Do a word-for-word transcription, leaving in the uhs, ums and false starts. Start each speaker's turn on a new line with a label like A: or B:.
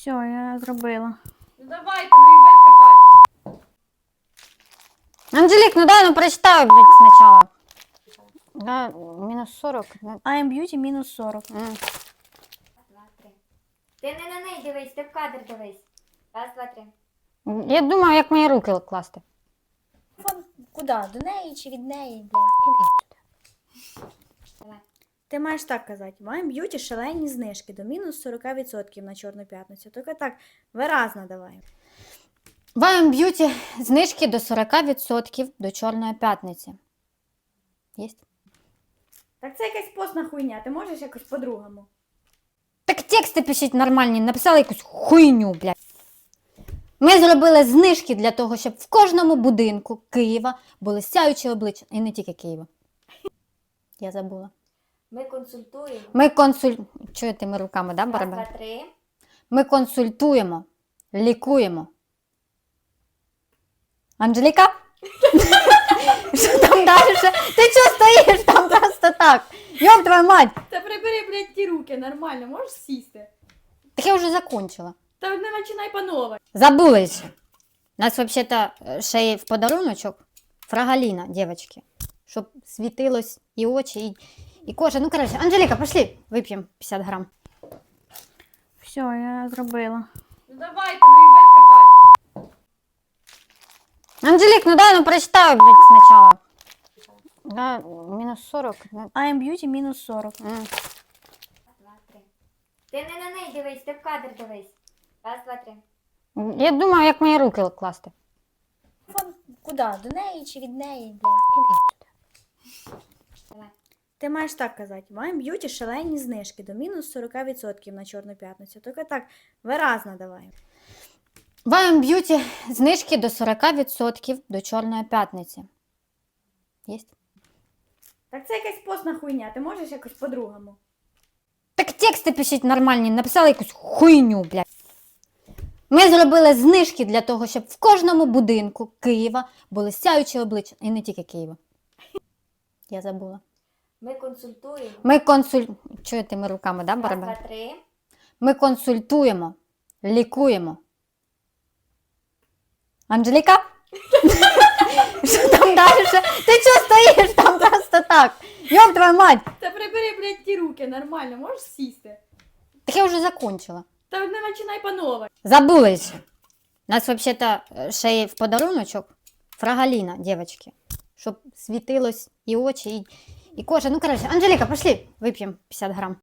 A: Все, я зробила.
B: Ну давайте, ну їбать копать.
C: Анжелік, ну дай, ну прочитай, блядь, сначала. Да, мінус сорок. да.
A: I am beauty мінус сорок.
C: М.
D: Два, три. Ти не на неї дивись, ти в кадр дивись. Раз, два, три.
C: Я думаю, як мої руки класти.
A: Фон, куди? До неї чи від неї, блядь?
C: Іди сюди.
D: Давай.
A: Ти маєш так казати. В I am beauty шалені знижки до мінус сорок відсотків на Чорну п'ятницю. Тільки так виразно давай.
C: В I am Beauty знижки до сорок відсотків до Чорної п'ятниці. Єсть?
A: Так це якась постна хуйня, ти можеш якось по-другому?
C: Так тексти пишіть нормальні, написали якусь хуйню, блядь. Ми зробили знижки для того, щоб в кожному будинку Києва були сяючі обличчя. І не тільки Києва. Я забула.
D: Ми консультуємо.
C: Ми консуль... Чуєте, ми руками, да,
D: Раз,
C: барабан?
D: два, три.
C: Ми консультуємо, лікуємо. Анжеліка? Що там далі? Ти чого стоїш там просто так? Йоб твою мать!
B: Та прибери, блядь, ті руки, нормально, можеш сісти?
C: Так я вже закончила.
B: Та не починай по новой.
C: Забули ще. У нас взагалі-то ще є в подаруночок фрагаліна, дівчатки. Щоб світилось і очі, і, і кожа. Ну, коротше, Анжеліка, пошли, вип'ємо п'ятдесят грам.
A: Все, я зробила.
B: Ну давайте, ну їбать копать.
C: Анжелік, ну дай, ну прочитай, блядь, спочатку. Да, мінус сорок. да.
A: I am beauty мінус сорок.
C: М.
D: Раз, два, три. Ти не на неї дивись, ти в кадр дивись. Раз, два, три.
C: Я думаю, як мої руки класти.
A: Фон, куди? До неї чи від неї, блядь?
C: Іди сюди.
D: Давай.
A: Ти маєш так казати. В I am beauty шалені знижки до мінус сорок відсотків на Чорну п'ятницю. Тільки так виразно давай.
C: В I am Beauty знижки до сорок відсотків до Чорної п'ятниці. Єсть?
A: Так це якась постна хуйня, ти можеш якось по-другому?
C: Так тексти пишіть нормальні, написали якусь хуйню, блядь. Ми зробили знижки для того, щоб в кожному будинку Києва були сяючі обличчя. І не тільки Києва. Я забула.
D: Ми консультуємо.
C: Ми консуль... Чуєте, ми руками, да,
D: Раз,
C: барабан?
D: два, три.
C: Ми консультуємо, лікуємо. Анжеліка? Що там далі? Ти чого стоїш там просто так? Йоб твою мать!
B: Та прибери, блядь, ті руки, нормально, можеш сісти?
C: Так я вже закончила.
B: Та не починай по новой.
C: Забули ще. У нас взагалі-то ще є в подаруночок фрагаліна, дівчатки. Щоб світилось і очі, і, і кожа. Ну, коротше, Анжеліка, пошли, вип'ємо п'ятдесят грам.